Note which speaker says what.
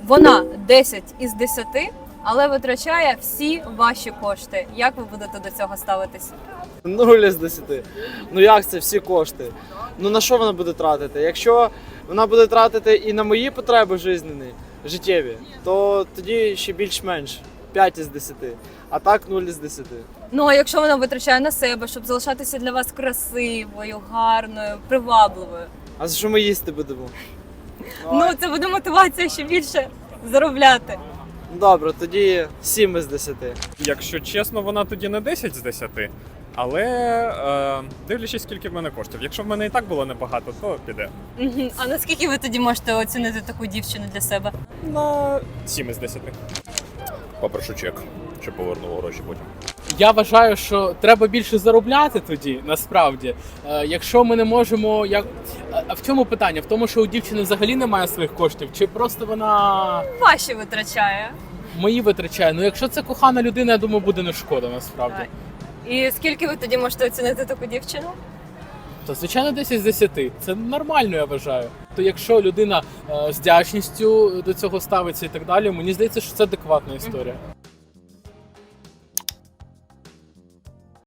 Speaker 1: Вона 10 із 10, але витрачає всі ваші кошти. Як ви будете до цього ставитись?
Speaker 2: 0 із 10. Ну як це всі кошти? Ну на що вона буде тратити? Якщо вона буде тратити і на мої потреби життєві, то тоді ще більш-менш 5 із 10. А так 0 із 10.
Speaker 1: Ну а якщо вона витрачає на себе, щоб залишатися для вас красивою, гарною, привабливою?
Speaker 2: А за що ми їсти будемо?
Speaker 1: Ну це буде мотивація ще більше заробляти.
Speaker 2: Добре, тоді 7 із 10.
Speaker 3: Якщо чесно, вона тоді не 10 з 10, але дивлячись, скільки в мене коштів. Якщо в мене і так було небагато, то піде.
Speaker 1: Мгм. А наскільки ви тоді можете оцінити таку дівчину для себе?
Speaker 3: На 7 із 10. Попрошу чек, щоб повернув гроші потім.
Speaker 4: Я вважаю, що треба більше заробляти тоді, насправді. Якщо ми не можемо. А в чому питання? В тому, що у дівчини взагалі немає своїх коштів, чи просто вона
Speaker 1: Ваші витрачає.
Speaker 4: мої витрачає? Ну, якщо це кохана людина, я думаю, буде не шкода насправді.
Speaker 1: І скільки ви тоді можете оцінити таку дівчину?
Speaker 4: То, звичайно, 10 з 10. Це нормально, я вважаю. То якщо людина з вдячністю до цього ставиться і так далі, мені здається, що це адекватна історія.